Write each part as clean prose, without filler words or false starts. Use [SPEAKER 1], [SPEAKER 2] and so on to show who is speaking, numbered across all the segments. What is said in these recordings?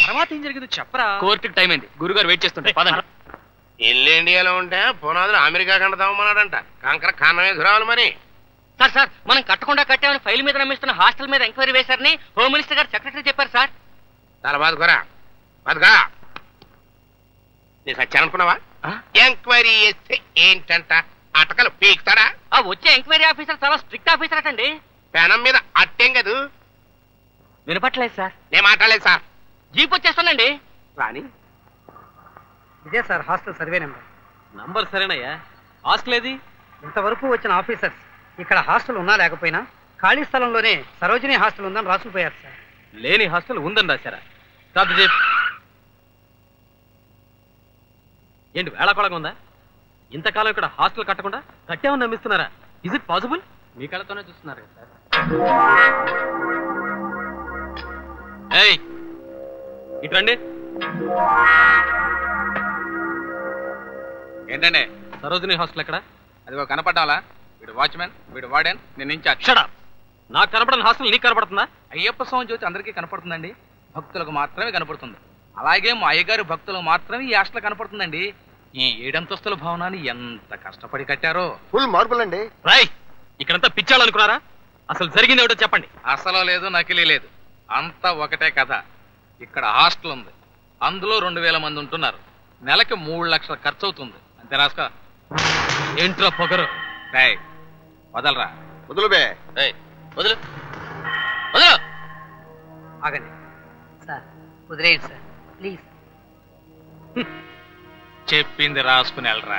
[SPEAKER 1] తర్వాత ఏం జరిగిందో చెప్పరా.
[SPEAKER 2] కోర్టుకి టైం అయింది, గురుగారు వెయిట్ చేస్తుంటే పదండి.
[SPEAKER 3] ఇల్లు ఇండియాలో ఉంటే పునాదులు అమెరికా కంట తవ్వమన్నాడంట. కంకర కన్నమే దురాలు మరి.
[SPEAKER 2] సార్ సార్ మనం కట్టకుండా కట్టామని ఫైల్ మీద నమ్మిస్తున్న హాస్టల్ మీద ఎంక్వైరీ వేశారని హోమ్ మినిస్టర్ గారు సెక్రటరీ చెప్పారు సార్.
[SPEAKER 3] చాలా బాదుకోరా బతుకా. నేను సచ్చాననుకున్నావా? ఎంక్వైరీ చేస్తే ఏంటంట అటకలు పీకుతాడా?
[SPEAKER 2] ఆ వచ్చే ఎంక్వైరీ ఆఫీసర్ చాలా స్ట్రిక్ట్ ఆఫీసర్ అటండి.
[SPEAKER 3] పెనం మీద అట్టేం కదూ.
[SPEAKER 2] వినపట్లేదు సార్.
[SPEAKER 3] నేను మాట్లాడలేదు సార్.
[SPEAKER 2] జీప్ వచ్చేస్తానండి.
[SPEAKER 3] రాని
[SPEAKER 4] ఇదే సార్ హాస్టల్ సర్వే
[SPEAKER 1] నంబర్ సరేనయ్యా. హాస్టల్ ఏది?
[SPEAKER 4] ఇంతవరకు వచ్చిన ఆఫీసర్స్ ఇక్కడ హాస్టల్ ఉన్నా లేకపోయినా ఖాళీ స్థలంలోనే సరోజిని హాస్టల్ ఉందని రాసుకుపోయారు సార్.
[SPEAKER 1] లేని హాస్టల్ ఉందని రాశారా? కాదు చెప్పు. ఏంటి వేళాకోళంగా ఉందా? ఇంతకాలం ఇక్కడ హాస్టల్ కట్టకుండా కట్టామని నమ్మిస్తున్నారా? Is it possible? మీ కళ్ళతోనే చూస్తున్నారు కదా సార్. ఏయ్ ఇటు రండి.
[SPEAKER 5] ఏంటండి?
[SPEAKER 1] సరోజిని హాస్టల్ ఎక్కడ?
[SPEAKER 5] అదిగో కనపడ్డాలా? వీడు వాచ్మెన్, వీడు వార్డెన్, నేను ఇన్ఛార్జ్.
[SPEAKER 1] Shut up. నాకు కనపడని హాస్టల్ నీకు కనపడుతుందా?
[SPEAKER 5] అయ్యప్ప స్వామి జ్యోతి అందరికీ కనపడుతుందండి, భక్తులకు మాత్రమే కనపడుతుంది. అలాగే మా అయ్యగారి భక్తులకు మాత్రమే ఈ హాస్టల్ కనపడుతుందండి. ఈ 7 అంతస్తుల భవనాన్ని ఎంత కష్టపడి కట్టారో.
[SPEAKER 3] ఫుల్ మార్పులండి.
[SPEAKER 1] రాయ్ ఇక్కడంతా పిచ్చాలనుకున్నారా? అసలు జరిగింది ఏమిటో చెప్పండి.
[SPEAKER 5] అసలు లేదు, నకిలీ లేదు, అంతా ఒకటే కథ. ఇక్కడ హాస్టల్ ఉంది, అందులో 2000 మంది ఉంటున్నారు. నెలకి 3 లక్షల ఖర్చు అవుతుంది. అంతే రాసుకో.
[SPEAKER 1] ఏంట్రా పొగరు?
[SPEAKER 5] రాయ్ వదలరా.
[SPEAKER 3] వదులు బే.
[SPEAKER 2] వదులు వదులు.
[SPEAKER 4] ఆగండి సార్, వదిలేయండి సార్ ప్లీజ్.
[SPEAKER 5] చెప్పింది రాసుకుని వెళ్ళరా.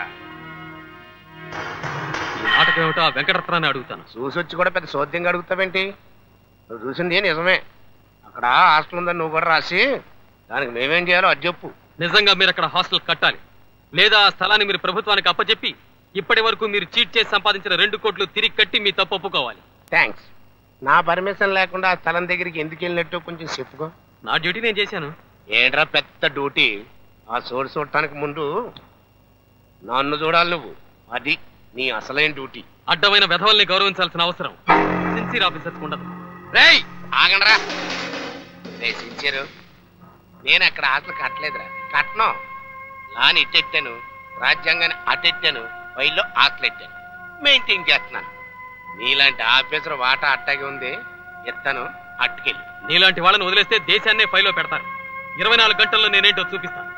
[SPEAKER 1] ఈ నాటకం ఏమిటో ఆ వెంకటరత్నాన్ని అడుగుతాను.
[SPEAKER 3] చూసొచ్చి కూడా పెద్ద సోద్యంగా అడుగుతావేంటి? నువ్వు చూసింది నిజమే. అక్కడ హాస్టల్ ఉందని నువ్వు కూడా రాసి దానికి మేమేం చేయాలో అది చెప్పు.
[SPEAKER 1] నిజంగా మీరు అక్కడ హాస్టల్ కట్టాలి, లేదా ఆ స్థలాన్ని మీరు ప్రభుత్వానికి అప్పచెప్పి ఇప్పటి వరకు మీరు చీట్ చేసి సంపాదించిన 2 కోట్లు తిరిగి కట్టి మీ తప్పు ఒప్పుకోవాలి.
[SPEAKER 3] థ్యాంక్స్. నా పర్మిషన్ లేకుండా ఆ స్థలం దగ్గరికి ఎందుకు వెళ్ళినట్టు కొంచెం చెప్పుకో.
[SPEAKER 1] నా డ్యూటీ నేను చేశాను.
[SPEAKER 3] ఏంట్రా పెద్ద డ్యూటీ? ఆ చోటు చూడటానికి ముందు నన్ను చూడాలి నువ్వు. అది నీ అసలైన డ్యూటీ.
[SPEAKER 1] అడ్డమైన వెధవల్ని గౌరవించాల్సిన అవసరం సిన్సియర్ ఆఫీసర్స్ ఉండదు.
[SPEAKER 3] రేయ్ ఆగండ్రా. రే సిన్సియర్, నేను అక్కడ హాస్టల్ కట్టలేదురా. కట్టను. లాని ఇట్టెట్టాను, రాజ్యాంగాన్ని అటెట్టాను, ఫైల్లో హాస్టల్ ఎట్టాను, మెయింటైన్ చేస్తున్నాను. నీలాంటి ఆఫీసర్ వాటా అట్టాగే ఉంది. ఎత్తాను, అట్టుకెళ్ళి.
[SPEAKER 1] నీలాంటి వాళ్ళని వదిలేస్తే దేశాన్నే ఫైల్లో పెడతారు. 24 గంటల్లో నేనేంటో చూపిస్తాను.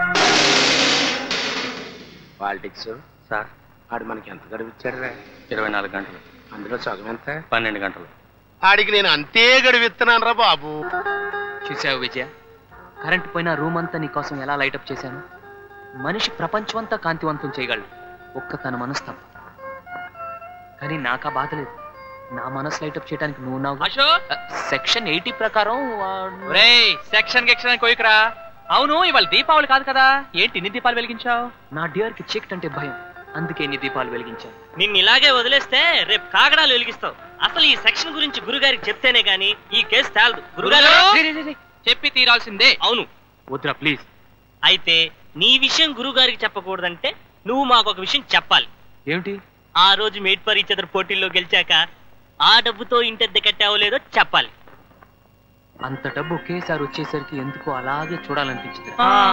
[SPEAKER 3] పాలిటిక్స్
[SPEAKER 2] సార్
[SPEAKER 3] ఆడు మనకి ఎంత గడువు ఇచ్చాడురా?
[SPEAKER 2] 24 గంటలు.
[SPEAKER 3] అందులో సగం ఎంత?
[SPEAKER 2] 12 గంటలు.
[SPEAKER 3] ఆడికి నేను అంతే గడువు ఇస్తున్నాను రా బాబు.
[SPEAKER 2] చూసావు విజయ, కరెంట్ పోయిన రూమ్ అంతా నీకోసం ఎలా లైటప్ చేశాను. మనిషి ప్రపంచం అంతా కాంతివంతం చేయగలడు, ఒక్క తన మనసు తప్ప. కానీ నాకా బాధ లేదు. నా మనసు లైటప్ చేయడానికి నువ్వు నావు. సెక్షన్ 80 ప్రకారం
[SPEAKER 1] సెక్షన్ గిక్షన్ కోయికరా. అవును ఇవాళ దీపావళి కాదు కదా, ఏంటి ఇన్ని దీపాలు వెలిగించావు?
[SPEAKER 2] నా డియర్ కి చీకటి అంటే భయం, అందుకే ఇన్ని దీపాలు వెలిగించాను.
[SPEAKER 6] నిన్ను ఇలాగే వదిలేస్తే రేపు కాగడాలు వెలిగిస్తావు. అసలు ఈ సెక్షన్ గురించి గురుగారికి చెప్తేనే గానీ ఈ కేసు తేలదు. గురుగారు
[SPEAKER 1] చెప్పి తీరాల్సిందే.
[SPEAKER 6] అవును.
[SPEAKER 2] వద్దురా ప్లీజ్.
[SPEAKER 6] అయితే నీ విషయం గురుగారికి చెప్పకూడదంటే నువ్వు మాకు ఒక విషయం చెప్పాలి.
[SPEAKER 2] ఏమిటి?
[SPEAKER 6] ఆ రోజు మేడ్ ఫర్ ఈచ్ అదర్ పోటీల్లో గెలిచాక ఆ డబ్బుతో ఇంటద్దె కట్టావో లేదో చెప్పాలి.
[SPEAKER 2] అంత డబ్బు ఒకేసారి వచ్చేసరికి ఎందుకో అలాగే చూడాలనిపించింది.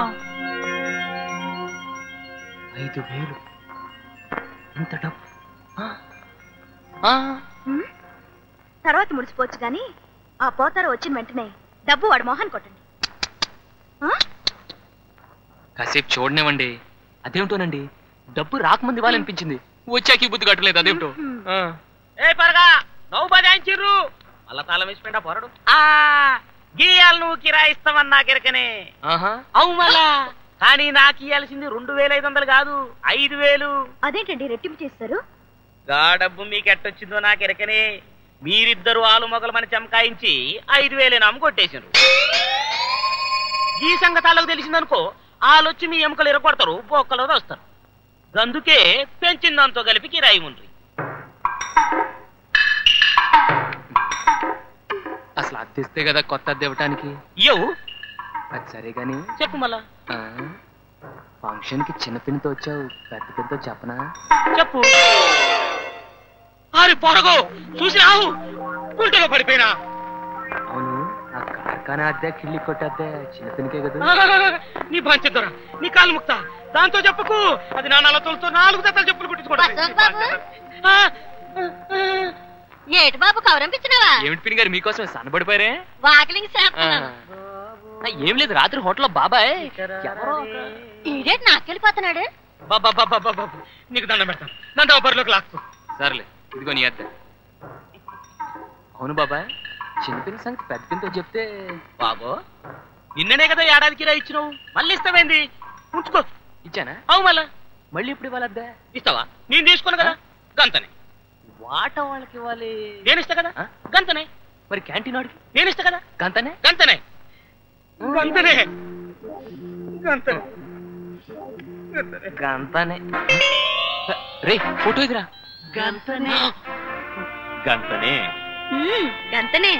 [SPEAKER 2] 5,000 ఇంత డబ్బు.
[SPEAKER 7] తర్వాత ముడిచిపోవచ్చు గాని ఆ పోతారు వచ్చిన వెంటనే డబ్బు వాడు మోహన్ కొట్టండి.
[SPEAKER 2] కాసేపు చూడనివ్వండి. అదేమిటోనండి, డబ్బు రాకముందు ఇవ్వాలనిపించింది, వచ్చాక ఈ బుద్ధి కట్టలేదు. అదేమిటో.
[SPEAKER 6] ఏ పరగా నవ్వు బదాయించిర్రు మళ్ళా తాళం వేసిపోయినా పొరడు. గీయాలు నువ్వు కిరాయిస్తామని నాకెరకనే. అవు మళ్ళా కానీ నాకు ఇయ్యాల్సింది 2,500 కాదు, 5,000.
[SPEAKER 7] అదేంటండి రెట్టింపు చేస్తారు?
[SPEAKER 6] గా డబ్బు మీకు ఎట్టొచ్చిందో నాకెరకనే. మీరిద్దరు ఆలు మొగలమని చమకాయించి 5,000 అమ్ము కొట్టేసిండ్రు. ఈ సంగతాలకు తెలిసిందనుకో ఆలొచ్చి మీ ఎముకలు ఎరగొడతారు, బొక్కలో వస్తారు. అందుకే పెంచిందంతో కలిపి కిరాయి ఉండ్రి.
[SPEAKER 2] అసలు అద్దెస్తే కదా కొత్త అద్దె ఇవ్వటానికి.
[SPEAKER 6] ఇయ్యవు.
[SPEAKER 2] అది సరే గాని
[SPEAKER 6] చెప్పు మళ్ళా.
[SPEAKER 2] ఫంక్షన్ కి చిన్న పిన్నితో వచ్చావు, పెద్ద పిన్నితో చెప్పనా?
[SPEAKER 6] చెప్పు. అరే పొరగో చూసి రావు గుంటలో పడిపోయినా.
[SPEAKER 2] అవును, ఆ కార్ కానీ అద్దె కిళ్ళి కొట్టద్దే చిన్నతనికే కదా.
[SPEAKER 6] నీ పంచదొరా నీ కాలు ముక్త దాంతో చెప్పుకు అది నా నల్లతోలతో 4 జతలు చెప్పులు
[SPEAKER 7] ఏటి బాబు కవరంపించినావా?
[SPEAKER 2] ఏమిటి పిన్ని గారు మీకోసం సన్నబడిపోయారే?
[SPEAKER 7] వాకిలింగ్ చేస్తున్నాను.
[SPEAKER 2] ఏం లేదు, రాత్రి హోటల్లో బాబాయ్
[SPEAKER 7] ఈడేటి నాకెళ్ళిపోతున్నాడు.
[SPEAKER 6] బాబా నీకు దండం పెడతాను, నన్ను బరిలోకి లాక్కు.
[SPEAKER 2] సర్లే ఇదిగో నీ అద్దె. అవును బాబాయ్, చిన్నపిల్ల సంగతి పెద్ద పిల్లతో చెప్తే.
[SPEAKER 6] బాబో నిన్ననే కదా ఏడాదికి రా ఇచ్చినావు, మళ్ళీ ఇస్తావేంది? ఉంచుకో.
[SPEAKER 2] ఇచ్చానా?
[SPEAKER 6] అవు
[SPEAKER 2] మళ్ళీ ఇప్పుడు ఇవ్వాలి అద్దె?
[SPEAKER 6] ఇస్తావా? నేను తీసుకున్నా కదా గంతనే.
[SPEAKER 2] వాట వాళ్ళకి ఇవ్వాలి.
[SPEAKER 6] నేను ఇస్తా కదా గంతనే.
[SPEAKER 2] మరి క్యాంటీన్ వాడికి
[SPEAKER 6] నేను ఇస్తా కదా
[SPEAKER 2] గంతనే.
[SPEAKER 6] గంతనే గంతనే గంతనే
[SPEAKER 2] గంతనే. రే ఫోటో ఇదిరా.
[SPEAKER 7] గంతనే
[SPEAKER 1] గంతనే.
[SPEAKER 7] గంతనే.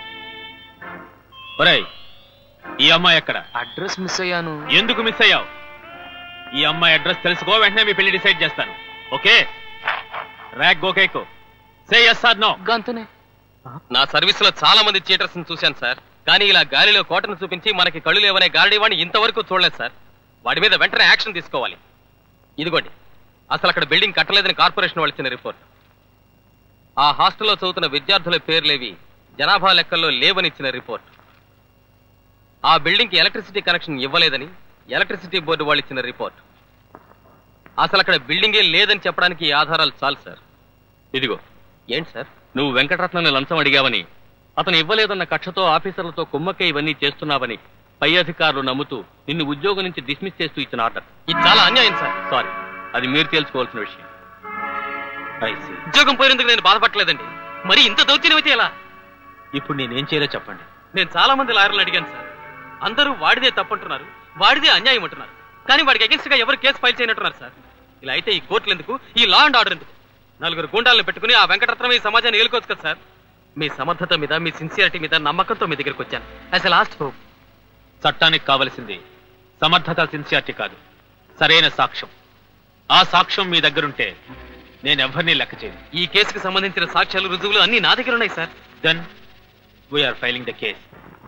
[SPEAKER 1] ఒరేయ్, ఈ అమ్మాయి ఎక్కడ?
[SPEAKER 2] అడ్రస్ మిస్ అయ్యాను.
[SPEAKER 1] ఎందుకు మిస్ అయ్యావు? ఈ అమ్మాయి అడ్రస్ తెలుసుకో, వెంటనే మీ పెళ్లి డిసైడ్ చేస్తాను. ఓకే? ర్యాక్ గోకేకు సే yes or no.
[SPEAKER 2] గంతనే.
[SPEAKER 1] నా సర్వీస్ లో చాలా మంది చీటర్స్ చూశాను సార్, కానీ ఇలా గాలిలో కోటను చూపించి మనకి కళ్ళు లేవనే గారడీ వాడిని ఇంతవరకు చూడలేదు సార్. వాడి మీద వెంటనే యాక్షన్ తీసుకోవాలి. ఇదిగోండి, అసలు అక్కడ బిల్డింగ్ కట్టలేదని కార్పొరేషన్ వాళ్ళు ఇచ్చిన రిపోర్ట్. ఆ హాస్టల్లో చదువుతున్న విద్యార్థుల పేర్లేవి జనాభా లెక్కల్లో లేవని ఇచ్చిన రిపోర్ట్. ఆ బిల్డింగ్ కి ఎలక్ట్రిసిటీ కనెక్షన్ ఇవ్వలేదని ఎలక్ట్రిసిటీ బోర్డు వాళ్ళు ఇచ్చిన రిపోర్ట్. అసలు అక్కడ బిల్డింగే లేదని చెప్పడానికి ఈ ఆధారాలు చాలు సార్. ఇదిగో. ఏంటి సార్? నువ్వు వెంకటరత్నాన్ని లంచం అడిగావని, అతను ఇవ్వలేదన్న కక్షతో ఆఫీసర్లతో కుమ్మక్క ఇవన్నీ చేస్తున్నావని పై అధికారులు నమ్ముతూ నిన్ను ఉద్యోగం నుంచి డిస్మిస్ చేస్తూ ఇచ్చిన ఆర్డర్. ఇది చాలా అన్యాయం సార్. సారీ, అది మీరు తెలుసుకోవాల్సిన విషయం. ఉద్యోగం పోయినందుకు నేను బాధపడలేదండి, మరి ఇంత దౌత్యం అయితే ఎలా? ఇప్పుడు నేనేం చేయాలో చెప్పండి. నేను చాలా మంది లాయర్లు అడిగాను సార్, అందరూ వాడిదే తప్పంటున్నారు, వాడిదే అన్యాయం అంటున్నారు. కానీ వాడికి అగెన్స్ట్ గా ఎవరు కేసు ఫైల్ చేయనట్టున్నారు సార్. ఇలా అయితే ఈ కోర్టులు ఎందుకు, ఈ లా అండ్ ఆర్డర్ ఎందుకు? 4 గుండాలను పెట్టుకుని ఆ వెంకటరత్నం ఈ సమాజాన్ని ఏలుకోవచ్చు కదా సార్. మీ సమర్థత మీద, మీ సిన్సియారిటీ మీద నమ్మకంతో మీ దగ్గరికి వచ్చాను. As a last hope. చట్టానికి కావలసింది సమర్థత, సిన్సియారిటీ కాదు, సరైన సాక్ష్యం. ఆ సాక్ష్యం మీ దగ్గరుంటే నేను ఎవరిని లెక్క చేయను. ఈ కేసుకు సంబంధించిన సాక్ష్యాలు, రుజువులు అన్ని నా దగ్గర ఉన్నాయి sir. Then we are filing the case.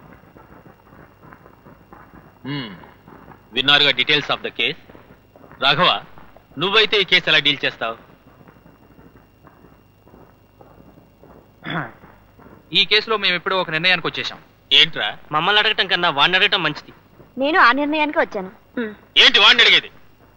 [SPEAKER 1] విన్నారుగా details of the case. Raghava, నువ్వైతే ఈ కేసు ఎలా డీల్ చేస్తావు?
[SPEAKER 5] ఈ కేసులో మేము ఎప్పుడో ఒక నిర్ణయానికి వచ్చేసాం.
[SPEAKER 1] ఏంట్రా?
[SPEAKER 6] మమ్మల్ని అడగటం కన్నా వాడిని అడగటం మంచిది.
[SPEAKER 7] నేను ఆ నిర్ణయానికి వచ్చాను.
[SPEAKER 1] ఏంటి వాడిని అడిగేది?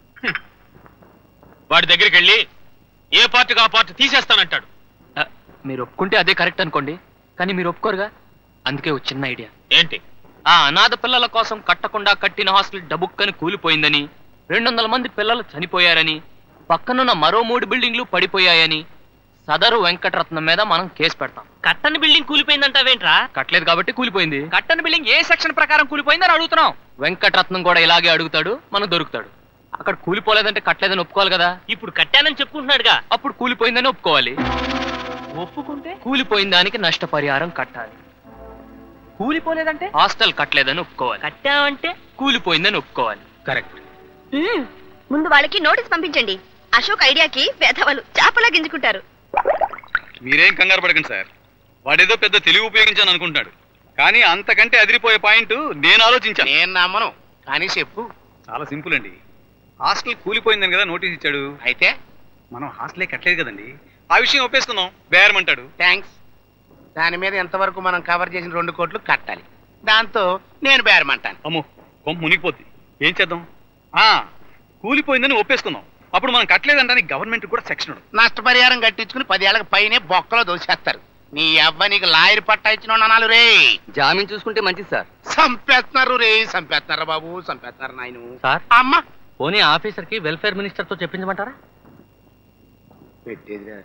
[SPEAKER 1] వాడి దగ్గరికి వెళ్ళి ఏ పార్టీకి ఆ పార్టీ తీసేస్తానంటాడు.
[SPEAKER 2] మీరు ఒప్పుకుంటే అదే కరెక్ట్ అనుకోండి, కానీ మీరు ఒప్పుకోరుగా. అందుకే ఒక చిన్న ఐడియా.
[SPEAKER 1] ఏంటి?
[SPEAKER 2] ఆ అనాథ పిల్లల కోసం కట్టకుండా కట్టిన హాస్టల్ డబుక్కని కూలిపోయిందని, 200 మంది పిల్లలు చనిపోయారని, పక్కనున్న మరో 3 బిల్డింగ్లు పడిపోయాయని సదరు వెంకటరత్నం మీద మనం కేసు పెడతాం.
[SPEAKER 6] కట్టని బిల్డింగ్ కూలిపోయిందంటావేంట్రా?
[SPEAKER 2] కట్టలేదు కాబట్టి కూలిపోయింది.
[SPEAKER 5] కట్టని బిల్డింగ్ ఏ సెక్షన్ ప్రకారం కూలిపోయిందని అడుగుతున్నాం.
[SPEAKER 2] వెంకటరత్నం కూడా ఇలాగే అడుగుతాడు, మనం దొరుకుతాడు. అక్కడ కూలిపోలేదంటే కట్టలేదని ఒప్పుకోవాలి కదా.
[SPEAKER 6] ఇప్పుడు కట్టానని చెప్పుకుంటున్నాడుగా,
[SPEAKER 2] అప్పుడు కూలిపోయిందని ఒప్పుకోవాలి.
[SPEAKER 6] ఒప్పుకుంటే
[SPEAKER 2] కూలిపోయిన దానికి నష్టపరిహారం కట్టాలి.
[SPEAKER 5] కూలిపోలేదంటే
[SPEAKER 2] హాస్టల్ కట్టలేదని ఒప్పుకోవాలి.
[SPEAKER 6] కట్టామంటే
[SPEAKER 2] కూలిపోయిందని ఒప్పుకోవాలి.
[SPEAKER 1] కరెక్ట్.
[SPEAKER 7] ముందు వాళ్ళకి నోటీస్ పంపించండి. అశోక్ ఐడియాకి పేదవాళ్ళు చేపలా గింజుకుంటారు.
[SPEAKER 8] మీరేం కంగారు పడకండి సార్, వాడేదో పెద్ద తెలివి ఉపయోగించాను అనుకుంటున్నాడు, కానీ అంతకంటే అదిరిపోయే పాయింట్ నేను ఆలోచించాను.
[SPEAKER 3] నేను నమ్మను, కానీ చెప్పు.
[SPEAKER 8] చాలా సింపుల్ అండి. హాస్టల్ కూలిపోయిందని కదా నోటీస్ ఇచ్చాడు.
[SPEAKER 3] అయితే
[SPEAKER 8] మనం హాస్టలే కట్టలేదు కదండి, ఆ విషయం ఒప్పేసుకుందాం. బేరమంటాడు.
[SPEAKER 3] థ్యాంక్స్. దాని మీద ఎంతవరకు మనం కవర్ చేసిన 2 కోట్లు కట్టాలి. దాంతో నేను బేరమంటాను.
[SPEAKER 8] అమ్మో, కొంప మునిగిపోద్ది. ఏం చేద్దాం? కూలిపోయిందని ఒప్పేసుకుందాం. అప్పుడు మనం కట్టలేదంటానికి గవర్నమెంట్ కూడా సెక్షన్ ఉంది.
[SPEAKER 3] నష్టపరిహారం కట్టించుకుని 10 ఏళ్ళకి పైనే బొక్కలో దోసేస్తారు. నీ అవ్వ నీకు లాయర్ పట్టా ఇచ్చిన అనాలు రే.
[SPEAKER 2] జామీన్ చూసుకుంటే మంచిది సార్.
[SPEAKER 3] సంపేస్తున్నారు రే, సంపేస్తున్నారా బాబు, సంపేస్తున్నారు నాయను.
[SPEAKER 1] సార్,
[SPEAKER 3] అమ్మ
[SPEAKER 1] పోనీ ఆఫీసర్ కి వెల్ఫేర్ మినిస్టర్ తో చెప్పించమంటారా?
[SPEAKER 3] పెట్టేదిరా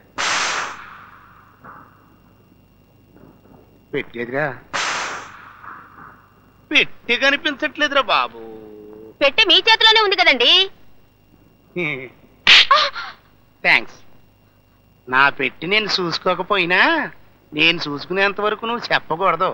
[SPEAKER 3] పెట్టేదిరా పెట్టి కనిపించట్లేదురా బాబు.
[SPEAKER 7] పెట్టే మీ చేతిలోనే ఉంది కదండి.
[SPEAKER 3] థ్యాంక్స్. నా పెట్టి నేను చూసుకోకపోయినా నేను చూసుకునేంత వరకు నువ్వు చెప్పకూడదు.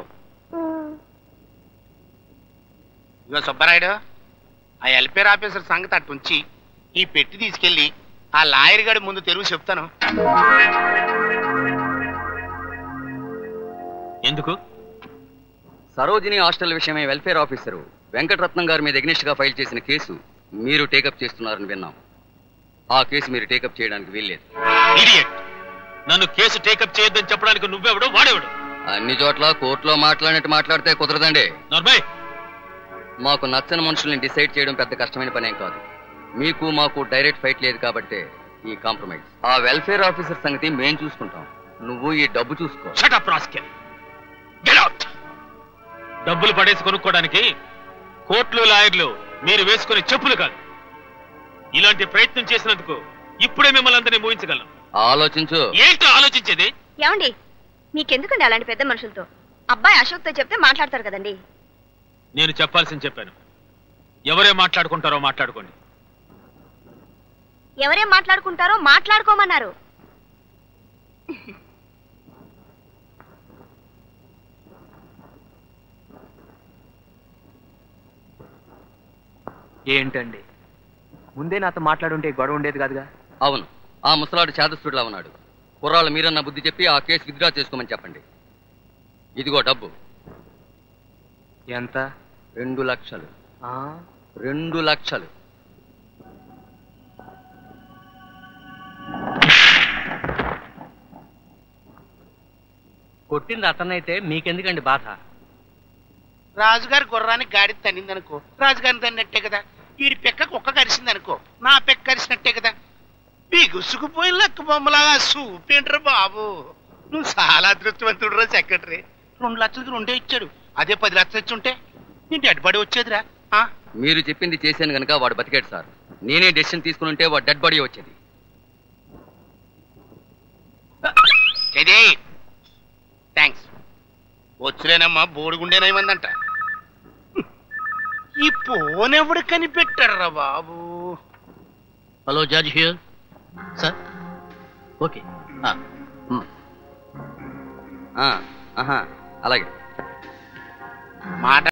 [SPEAKER 3] ఇగో సుబ్బరాయుడు, ఆ వెల్ఫేర్ ఆఫీసర్ సంగతి అట్టుంచి ఈ పెట్టి తీసుకెళ్ళి ఆ లాయర్ గడి ముందు తెరుగు చెప్తాను.
[SPEAKER 1] ఎందుకు?
[SPEAKER 9] సరోజిని హాస్టల్ విషయమై వెల్ఫేర్ ఆఫీసరు వెంకటరత్నం గారి మీద ఎగ్నిస్ట్ గా ఫైల్ చేసిన కేసు మీరు టేకప్ చేస్తున్నారని విన్నాం. ఆ కేసు మీరు టేకప్ చేయడానికి వీల్లేదు.
[SPEAKER 1] ఇడియట్! నన్ను కేసు టేకప్ చేయొద్దని చెప్పడానికి నువ్వెవడు, వాడేవాడు?
[SPEAKER 9] అన్ని చోట్ల కోర్టులో మాట్లాడినట్టు మాట్లాడితే కుదరదండి.
[SPEAKER 1] నార్మల్.
[SPEAKER 9] మాకు నచ్చని మనుషుల్ని డిసైడ్ చేయడం పెద్ద కష్టమైన పనేం కాదు. మీకు మాకు డైరెక్ట్ ఫైట్ లేదు కాబట్టి ఈ కాంప్రమైజ్. ఆ వెల్ఫేర్ ఆఫీసర్ సంగతి మేం చూసుకుంటాం. నువ్వు ఈ డబ్బు చూసుకో.
[SPEAKER 1] Shut up rascal. Get out. డబ్బులు పడేసి కొనుక్కోవడానికి కోర్టులు లాయర్లు మీరు వేసుకునే చెప్పులు కాదు. ఇలాంటి ప్రయత్నం చేసినందుకు ఇప్పుడే మిమ్మల్ని అందరినీ ఊహించగలను.
[SPEAKER 9] ఆలోచించు.
[SPEAKER 1] ఏంటో ఆలోచించేది?
[SPEAKER 7] ఏమండి, మీకెందుకండి అలాంటి పెద్ద మనుషులతో? అబ్బాయి అశోక్తో చెప్తే మాట్లాడతారు కదండి.
[SPEAKER 1] నేను చెప్పాల్సింది చెప్పాను. ఎవరే మాట్లాడుకుంటారో మాట్లాడుకోండి.
[SPEAKER 7] ఎవరేం మాట్లాడుకుంటారో మాట్లాడుకోమన్నారు.
[SPEAKER 2] ఏంటండి, ముందే నాతో మాట్లాడుంటే గొడవ ఉండేది కాదుగా.
[SPEAKER 9] అవును, ఆ ముసలాడు చేదస్తుడిలా ఉన్నాడు. కుర్రాళ్ళు మీరన్న బుద్ధి చెప్పి ఆ కేసు విత్డ్రా చేసుకోమని చెప్పండి. ఇదిగో డబ్బు.
[SPEAKER 2] ఎంత?
[SPEAKER 9] 2 లక్షలు. 2 లక్షలు.
[SPEAKER 4] కొట్టింది అతనైతే మీకెందుకండి బాధ?
[SPEAKER 3] రాజుగారి గుర్రానికి గాడి తన్నిందనుకో, రాజుగారిని తన్నినట్టే కదా. వీడి పెక్క కుక్క కరిసిందనుకో, నా పెక్క కరిసినట్టే కదా. బిగుసుకుపోయి లెక్క బొమ్మలాగా చూపేంట్రా బాబు. నువ్వు చాలా అదృష్టవంతుడు రా సెక్రటరీ. 2 లక్షలకి 2 ఇచ్చాడు. అదే 10 లక్షలు ఇచ్చి ఉంటే నేను డెడ్ బాడీ వచ్చేదిరా.
[SPEAKER 9] మీరు చెప్పింది చేశాను గనక వాడు బతికాడు సార్. నేనే డెసిషన్ తీసుకుని ఉంటే వాడు డెడ్ బాడీ వచ్చేది.
[SPEAKER 3] థ్యాంక్స్. వచ్చులేనమ్మా, బోడిగుండేనేమందంట. ఈ ఫోన్ ఎవడు కనిపెట్టారా బాబు?
[SPEAKER 6] Hello judge here sir. Okay,
[SPEAKER 9] అలాగే
[SPEAKER 3] మాట